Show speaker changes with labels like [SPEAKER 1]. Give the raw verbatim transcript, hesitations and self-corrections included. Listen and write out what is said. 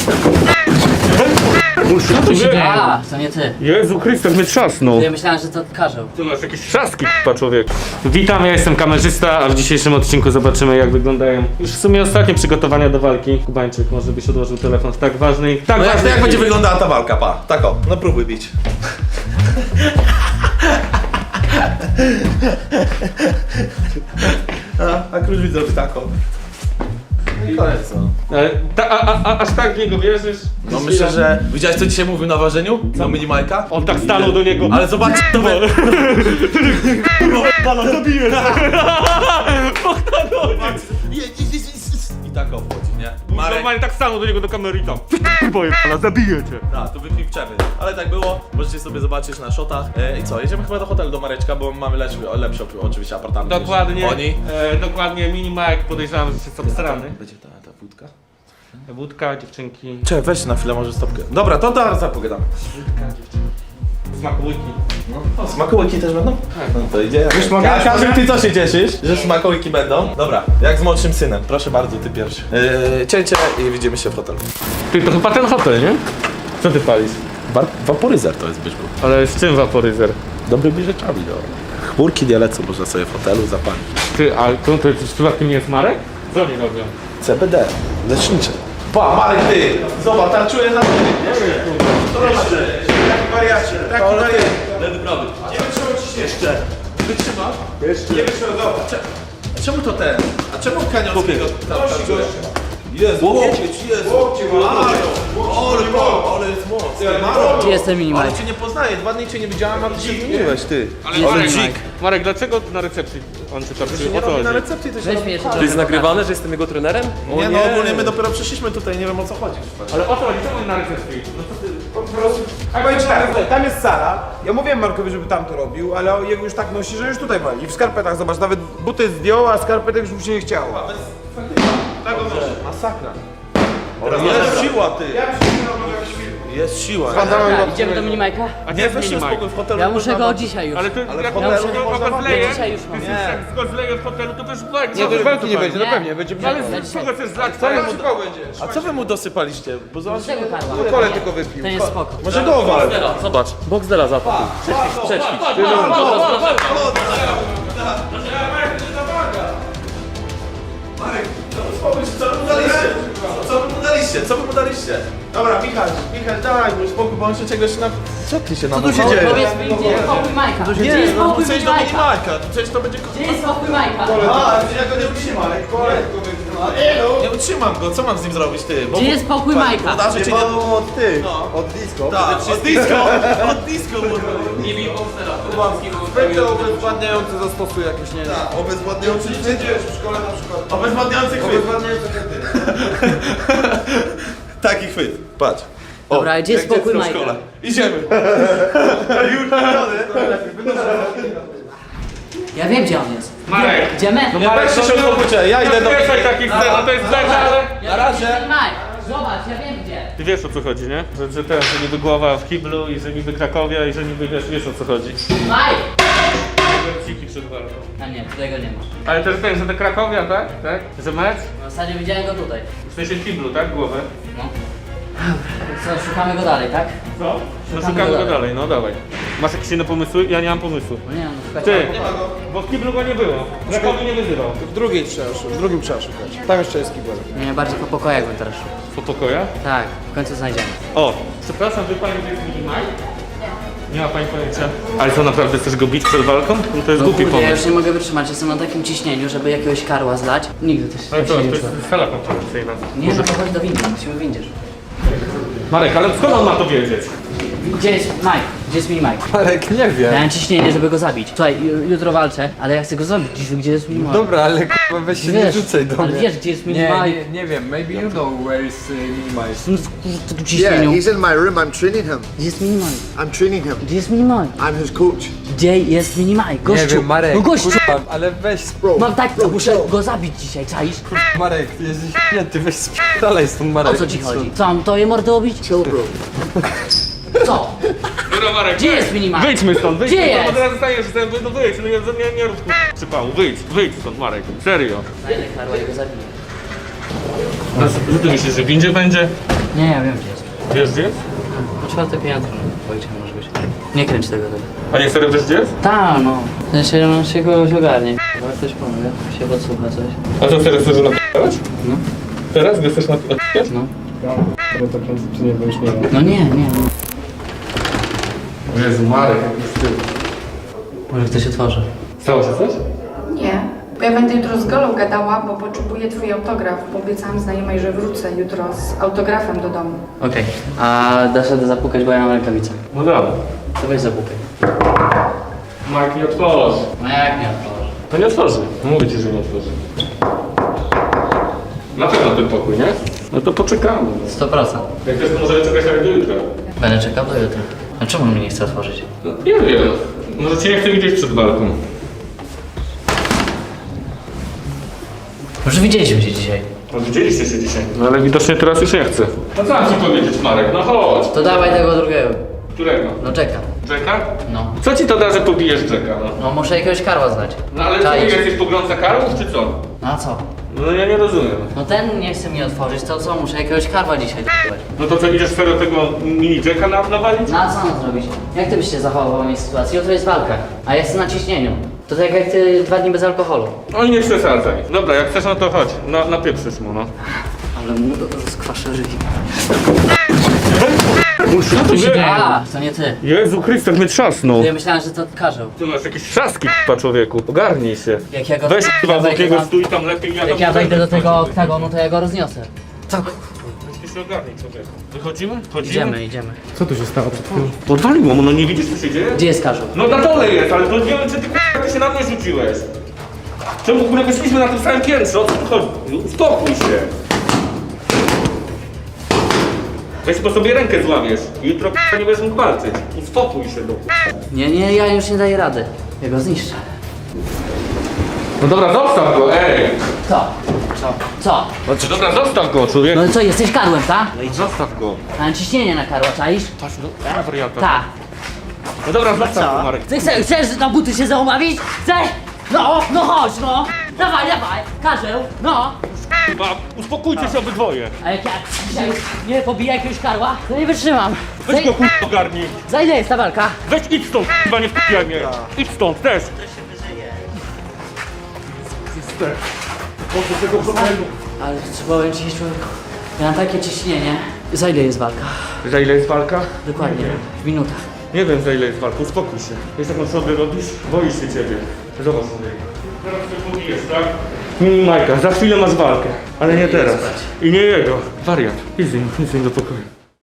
[SPEAKER 1] Co się dzieje? A, to nie ty.
[SPEAKER 2] Jezu Chryste, mnie trzasnął.
[SPEAKER 1] Ja myślałem, że to karzeł.
[SPEAKER 2] Ty masz jakieś trzaski, k***a, człowiek. Witam, ja jestem kamerzysta, a w dzisiejszym odcinku zobaczymy, jak wyglądają już w sumie ostatnie przygotowania do walki. Kubańczyk, może byś odłożył telefon w tak ważnej... Tak
[SPEAKER 3] No jak,
[SPEAKER 2] ważnej
[SPEAKER 3] jak będzie
[SPEAKER 2] chwili.
[SPEAKER 3] wyglądała ta walka, pa? Tak o, no próbuj bić. a, a Krusz widzowie tak o. No i koniec no.
[SPEAKER 2] Ale ta, a, a, a, aż tak w niego wierzysz?
[SPEAKER 3] No myślę, że... Widziałeś co dzisiaj mówił na ważeniu? Na mini Majka?
[SPEAKER 2] On tak stanął do niego.
[SPEAKER 3] Ale zobacz, to by...
[SPEAKER 2] Pana zabiję!
[SPEAKER 3] I tak o wchodzi, nie? Marek,
[SPEAKER 2] Normalnie tak stanął do niego do kamery i tam. Boję pana, zabiję cię.
[SPEAKER 3] tak, to wypij przerwy. Ale tak było, możecie sobie zobaczyć na shotach. E, I co, jedziemy chyba do hotelu do Mareczka, bo mamy lepszy, lepszy oczywiście apartament. niż
[SPEAKER 2] Dokładnie,
[SPEAKER 3] Oni.
[SPEAKER 2] e, dokładnie, mini Mike, podejrzewam, że jest obstrany.
[SPEAKER 3] Będzie ta, ta wódka?
[SPEAKER 2] Wódka, dziewczynki,
[SPEAKER 3] Czekaj, weź na chwilę może stopkę. Dobra, to zaraz pogadamy.
[SPEAKER 2] smakołyki.
[SPEAKER 3] O, smakołyki też będą? No to idzie. Już mogę? Każdy, ty co się cieszysz, że smakołyki będą? Dobra, jak z młodszym synem. Proszę bardzo, ty pierwszy. Yy, cięcie i widzimy się w hotelu.
[SPEAKER 2] Ty, to chyba ten hotel, nie? Co ty palisz?
[SPEAKER 3] Bar waporyzer to jest Byszku.
[SPEAKER 2] Ale z czym waporyzer?
[SPEAKER 3] Dobrymi rzeczami, no. Chmurki nie lecą, można sobie w hotelu zapalić.
[SPEAKER 2] Ty, ale to, to jest przypadkiem nie jest Marek? Co oni robią?
[SPEAKER 3] C B D, lecznicze. Pa, Marek, ty! Zobacz, tarczuję na ty. Nie wiem, co robisz? Taki wariacie, taki wariacie. Lewy, prawy. Nie wytrzymał ci jeszcze. Wytrzymasz? Jeszcze. Nie wytrzymał, zobacz. A czemu to ten? A czemu Kaniowskiego tarczuje? Jezu, łokieć, Jezu. Maro, ale, ale jest mocny. Maro,
[SPEAKER 1] Gdzie jest ten mini
[SPEAKER 3] ale
[SPEAKER 1] Mike?
[SPEAKER 3] cię nie poznaję, dwa dni cię nie widziałem, a ty się zmieniłeś, ty.
[SPEAKER 2] Ale
[SPEAKER 1] Jest
[SPEAKER 2] Marek,
[SPEAKER 1] mini Mike.
[SPEAKER 2] Marek, dlaczego na recepcji on cię tarczy?
[SPEAKER 3] Nie
[SPEAKER 2] O co
[SPEAKER 3] robi na
[SPEAKER 2] chodzi?
[SPEAKER 3] recepcji, to się
[SPEAKER 1] Weź
[SPEAKER 3] robi.
[SPEAKER 1] mnie jeszcze
[SPEAKER 4] To jest nagrywane, że jestem jego trenerem?
[SPEAKER 3] Nie, no ogólnie my dopiero przyszliśmy tutaj, nie wiem o co chodzi.
[SPEAKER 2] Ale o co chodzi? Czemu na recepcji? No co ty?
[SPEAKER 5] Po prostu, powiem ci tak, tam jest Sara. Ja mówiłem Markowi, żeby tam to robił, ale jego już tak nosi, że już tutaj wali. I w skarpetach, zobacz, nawet buty zdjął, a skarpetek już mu się nie chciało.
[SPEAKER 3] Tak on masakra. Jest siła, ty. Jest siła.
[SPEAKER 1] Dobra, idziemy do mini Majka?
[SPEAKER 2] A
[SPEAKER 3] Nie, weź się spokój w hotelu.
[SPEAKER 1] Ja muszę go dzisiaj już.
[SPEAKER 2] Ale ty,
[SPEAKER 3] Ale
[SPEAKER 2] jak
[SPEAKER 3] w hotelu
[SPEAKER 2] go
[SPEAKER 3] nie można
[SPEAKER 2] go
[SPEAKER 3] walczyć.
[SPEAKER 2] zleje,
[SPEAKER 1] Dzisiaj już
[SPEAKER 2] ty
[SPEAKER 1] mam.
[SPEAKER 2] się jak go zleje w hotelu, to wiesz walki.
[SPEAKER 5] Nie, to już walki nie będzie, no
[SPEAKER 1] Nie.
[SPEAKER 5] pewnie, będzie
[SPEAKER 2] Ale
[SPEAKER 1] Ja
[SPEAKER 2] z
[SPEAKER 1] dzisiaj-
[SPEAKER 2] czego chcesz zlać?
[SPEAKER 5] Co mu szybko będziesz?
[SPEAKER 3] A co wy mu dosypaliście? Bo zobacz,
[SPEAKER 1] Z tego karła.
[SPEAKER 5] Kole tylko wypił.
[SPEAKER 1] To jest spoko.
[SPEAKER 5] Może go owal.
[SPEAKER 4] Zobacz, Boxdela za to.
[SPEAKER 3] Marek, spokój się, co wy mu daliście? Co wy mu daliście? Co wy mu daliście? Dobra, Michał, Michał, dawaj mu spokój, bo on się czegoś na... Co ty się na
[SPEAKER 5] tu się dzieje?
[SPEAKER 1] Powiedz mi, gdzie jest spokój Majka? Gdzie
[SPEAKER 3] Nie,
[SPEAKER 1] jest
[SPEAKER 3] no
[SPEAKER 1] spokój
[SPEAKER 3] chcesz
[SPEAKER 1] mini
[SPEAKER 3] do
[SPEAKER 1] Majka?
[SPEAKER 3] minimalka, przecież to będzie...
[SPEAKER 1] Gdzie jest spokój Majka?
[SPEAKER 3] A, ja go nie utrzymam. Nie utrzymam go, co mam z nim zrobić, ty? Bo
[SPEAKER 1] Gdzie jest spokój Majka?
[SPEAKER 3] Podarzy cię nie...
[SPEAKER 5] od tych,
[SPEAKER 3] No.
[SPEAKER 5] od disco.
[SPEAKER 3] Tak, od disco, od disco.
[SPEAKER 4] Nie bij Boxdela.
[SPEAKER 5] Spędzę obezwładniający zastosuj jakiś, nie wiem.
[SPEAKER 3] Tak, obezwładniający
[SPEAKER 5] Przecież w szkole na przykład.
[SPEAKER 3] Obezwładniający chwyt.
[SPEAKER 5] Obezwładniający wtedy.
[SPEAKER 3] Taki chwyt, patrz. O,
[SPEAKER 1] Dobra, gdzie jest
[SPEAKER 3] jak
[SPEAKER 1] spokój
[SPEAKER 3] dziecko w
[SPEAKER 1] Majka?
[SPEAKER 3] szkole. Idziemy. Już
[SPEAKER 1] Ja wiem, gdzie on jest.
[SPEAKER 2] Marek.
[SPEAKER 1] Idziemy?
[SPEAKER 2] No
[SPEAKER 3] Nie,
[SPEAKER 2] Marek,
[SPEAKER 3] weźcie się
[SPEAKER 2] no, no,
[SPEAKER 3] uspokójcie, ja idę do...
[SPEAKER 2] Nie wiesz takich scen, no to jest beka, ale...
[SPEAKER 1] Na razie. Mike, zobacz, ja wiem gdzie.
[SPEAKER 2] Ty wiesz o co chodzi, nie? Że, że ten, że niby głowa w kiblu i że niby Krakowia i że niby wiesz, wiesz o co chodzi.
[SPEAKER 1] Mike!
[SPEAKER 2] Ciki przed walką.
[SPEAKER 1] A nie, tutaj go nie ma.
[SPEAKER 2] Ale też ten, że to Krakowia, tak? Tak? Że mecz?
[SPEAKER 1] W zasadzie widziałem go tutaj.
[SPEAKER 2] W sensie w kiblu, tak? Głowę.
[SPEAKER 1] No. Co, szukamy go dalej, tak?
[SPEAKER 2] Co? No
[SPEAKER 1] Szukamy
[SPEAKER 2] szukamy
[SPEAKER 1] go
[SPEAKER 2] go
[SPEAKER 1] dalej.
[SPEAKER 2] dalej, no dawaj. Masz jakieś inne pomysły? Ja nie mam pomysłu.
[SPEAKER 1] No nie, no szukać.
[SPEAKER 2] Ty, bo w kiblu go nie było. Krakowi nie wyzywał.
[SPEAKER 5] W drugiej trzeba szukać, w drugim trzeba szukać. Tam jeszcze jest kibel.
[SPEAKER 1] Nie, bardziej po pokojach bym teraz szukał.
[SPEAKER 2] Po pokojach?
[SPEAKER 1] Tak, w końcu znajdziemy.
[SPEAKER 2] O, przepraszam, wie pani, gdzie jest mini Mike? Nie ma pani pojęcia. Ale co, naprawdę chcesz go bić przed walką? No to jest
[SPEAKER 1] No
[SPEAKER 2] głupi
[SPEAKER 1] kurde, ja
[SPEAKER 2] pomysł.
[SPEAKER 1] już nie mogę wytrzymać, jestem na takim ciśnieniu, żeby jakiegoś karła zlać. Nigdy też
[SPEAKER 2] Ale
[SPEAKER 1] tak
[SPEAKER 2] co,
[SPEAKER 1] się
[SPEAKER 2] to
[SPEAKER 1] nie
[SPEAKER 2] jest
[SPEAKER 1] czułem.
[SPEAKER 2] sala konferencyjna.
[SPEAKER 1] Nie, no to chodź do windy, musimy w windzie.
[SPEAKER 2] Marek, ale skąd on ma to wiedzieć?
[SPEAKER 1] Gdzie jest Mike? Gdzie jest mini Mike?
[SPEAKER 4] Marek, nie wiem.
[SPEAKER 1] Miałem ciśnienie, żeby go zabić. Słuchaj, ju- jutro walczę, ale ja chcę go zabić dziś, gdzie jest mini Mike?
[SPEAKER 4] Dobra, ale k***a, weź się nie
[SPEAKER 1] Wiesz,
[SPEAKER 4] rzucaj do
[SPEAKER 1] ale
[SPEAKER 4] mnie.
[SPEAKER 1] wiesz, gdzie jest mini
[SPEAKER 4] Nie,
[SPEAKER 1] Mike?
[SPEAKER 4] nie, nie wiem, maybe you know where is uh, Minimize.
[SPEAKER 1] Jestem w kurde tu
[SPEAKER 6] Yeah,
[SPEAKER 1] ciśnieniu.
[SPEAKER 6] he's in my room. I'm training him.
[SPEAKER 1] Gdzie jest mini Mike?
[SPEAKER 6] I'm training him.
[SPEAKER 1] Gdzie jest mini Mike?
[SPEAKER 6] I'm his coach.
[SPEAKER 1] Gdzie jest mini Mike? Gościu!
[SPEAKER 4] Nie wiem, Marek,
[SPEAKER 1] No gościu!
[SPEAKER 4] kurwa, ale weź sp-
[SPEAKER 1] Mam tak, muszę go zabić dzisiaj, czaisz?
[SPEAKER 4] Marek, ty jesteś święty, weź dalej stąd Marek.
[SPEAKER 1] O co ci chodzi? Co, mam to je mordę obić?
[SPEAKER 6] Chill, bro.
[SPEAKER 1] Co?
[SPEAKER 2] Dobra, Marek,
[SPEAKER 1] Gdzie jest mini Mike?
[SPEAKER 2] wyjdźmy stąd, wyjdźmy
[SPEAKER 1] Gdzie
[SPEAKER 2] stąd,
[SPEAKER 1] jest?
[SPEAKER 2] bo teraz zostaniesz, no, no wyjdź, no nie, nie, nie rób ku- przypału, wyjdź, wyjdź stąd, Marek, serio.
[SPEAKER 1] Znajdę karła i go zabiję.
[SPEAKER 2] No, co ty myślisz, że w windzie będzie?
[SPEAKER 1] Nie, ja wiem gdzie jest.
[SPEAKER 2] Wiesz gdzie jest?
[SPEAKER 1] Po czwarte piętro, no. Ojcze może być. Nie kręć tego tego.
[SPEAKER 2] A nie serio wiesz gdzie jest?
[SPEAKER 1] Ta, no. W sensie, on się kogoś ogarnie. Ale ktoś pomówi, się podsłucha coś.
[SPEAKER 2] A co serio chcesz napisać?
[SPEAKER 1] No.
[SPEAKER 2] Teraz gdy chcesz napisać?
[SPEAKER 1] No. No nie, nie, nie.
[SPEAKER 2] Jezu, Marek, jak jest ty.
[SPEAKER 1] Może ktoś otworzy.
[SPEAKER 2] Stało się coś?
[SPEAKER 7] Nie, bo ja będę jutro z Golą gadała, bo potrzebuję twój autograf, bo obiecałam znajomej, że wrócę jutro z autografem do domu.
[SPEAKER 1] Okej. A dasz radę zapukać, bo ja mam rękawice.
[SPEAKER 2] No dobra.
[SPEAKER 1] To weź zapukaj.
[SPEAKER 2] Marek nie otworzy.
[SPEAKER 1] No jak nie otworzy?
[SPEAKER 2] To nie otworzy. Mówię ci, że nie otworzy. Na pewno ten pokój, nie? No to poczekamy.
[SPEAKER 1] sto procent.
[SPEAKER 2] Jak też to możemy czekać nawet do jutra.
[SPEAKER 1] Będę czekał do jutra. A czemu mnie nie chce otworzyć?
[SPEAKER 2] No, nie wiem. Może cię nie chcę widzieć przed walką.
[SPEAKER 1] Może widzieliśmy się dzisiaj.
[SPEAKER 2] No widzieliście się dzisiaj. No ale widocznie teraz już nie chcę. No co mam ci powiedzieć, Marek? No chodź.
[SPEAKER 1] To dawaj tego drugiego.
[SPEAKER 2] Którego?
[SPEAKER 1] No czekam.
[SPEAKER 2] Jacka?
[SPEAKER 1] No.
[SPEAKER 2] Co ci to da, że pobijesz Jacka, no?
[SPEAKER 1] No muszę jakiegoś karła znać.
[SPEAKER 2] No ale co,
[SPEAKER 1] Czaisz?
[SPEAKER 2] jesteś poglądca karłów, czy co?
[SPEAKER 1] No a co?
[SPEAKER 2] No ja nie rozumiem.
[SPEAKER 1] No ten nie chce mi otworzyć, to co? Muszę jakiegoś karła dzisiaj d***ać.
[SPEAKER 2] No to co, idziesz serio tego mini Jacka na, nawalić?
[SPEAKER 1] No a co mam zrobić? Jak ty byś się zachował w mojej sytuacji? Jutro jest walka, a ja jestem na ciśnieniu. To tak jak ty dwa dni bez alkoholu.
[SPEAKER 2] Oj, nie przesadzaj. Dobra, jak chcesz, no to chodź. Na, napieprzysz mu, no.
[SPEAKER 1] Ale mu skwaszę żywi.
[SPEAKER 2] Co tu się
[SPEAKER 1] A, to nie ty.
[SPEAKER 2] Jezu Chryste, mnie trzasnął.
[SPEAKER 1] Ja myślałem, że to karzeł.
[SPEAKER 2] Ty masz jakieś trzaski, k***a, człowieku. Ogarnij się.
[SPEAKER 1] Jak ja go...
[SPEAKER 2] Weź k***a, z
[SPEAKER 1] wejdę
[SPEAKER 2] takiego
[SPEAKER 1] tam-
[SPEAKER 2] stój tam lepiej.
[SPEAKER 1] Jak ja wejdę do tego oktagonu, to ja go rozniosę. Co?
[SPEAKER 2] Weź się ogarnij, człowieku. Wychodzimy? Chodzimy?
[SPEAKER 1] Idziemy, idziemy.
[SPEAKER 2] Co tu się stało? Podwaliło mu, no nie widzisz, co się dzieje?
[SPEAKER 1] Gdzie jest karzeł?
[SPEAKER 2] No na dole jest, ale to nie wiem, czy ty k***a, ty się na mnie rzuciłeś. Czemu w ogóle wyszliśmy na tym samym piętrze? O co tu chodzi? Uspokój się. Weź po sobie rękę złamiesz. Jutro k***a, nie będziesz mógł walczyć. Uspokój się, do
[SPEAKER 1] Nie, nie, ja już nie daję rady. Ja go zniszczę.
[SPEAKER 2] No dobra, zostaw go, ej!
[SPEAKER 1] Co? Co? Co?
[SPEAKER 2] Dobra, zostaw go, człowiek.
[SPEAKER 1] No i co, jesteś karłem, ta?
[SPEAKER 2] Zostaw go.
[SPEAKER 1] Mam ciśnienie na karła, czaisz?
[SPEAKER 2] Patrz, no, ja wariata.
[SPEAKER 1] Ta.
[SPEAKER 2] No dobra, zostaw go, Marek.
[SPEAKER 1] Ty chcesz, chcesz na buty się załomawić? Chcesz? No, no chodź, no. Dawaj, dawaj, karzeł, no.
[SPEAKER 2] Chyba uspokójcie się obydwoje.
[SPEAKER 1] A jak ja dzisiaj nie pobiję jakiegoś karła, to nie wytrzymam.
[SPEAKER 2] Weź
[SPEAKER 1] Za,
[SPEAKER 2] go k***a ogarnij.
[SPEAKER 1] za ile jest ta walka?
[SPEAKER 2] Weź idź stąd, k***a, nie wpijaj mnie. Idź stąd, też.
[SPEAKER 1] Ale co powiem ci, człowieku, ja mam takie ciśnienie. Za ile jest walka?
[SPEAKER 2] Za ile jest walka?
[SPEAKER 1] Dokładnie, w minutach.
[SPEAKER 2] Nie wiem za ile jest walka, uspokój się. Wiesz jaką sobie robisz? Boisz się ciebie. Zobacz sobie. Teraz się pobijesz, tak? Mini Majka, za chwilę masz walkę. Ale nie teraz. I nie jego. Wariat. Idź z nim, idź z nim do pokoju.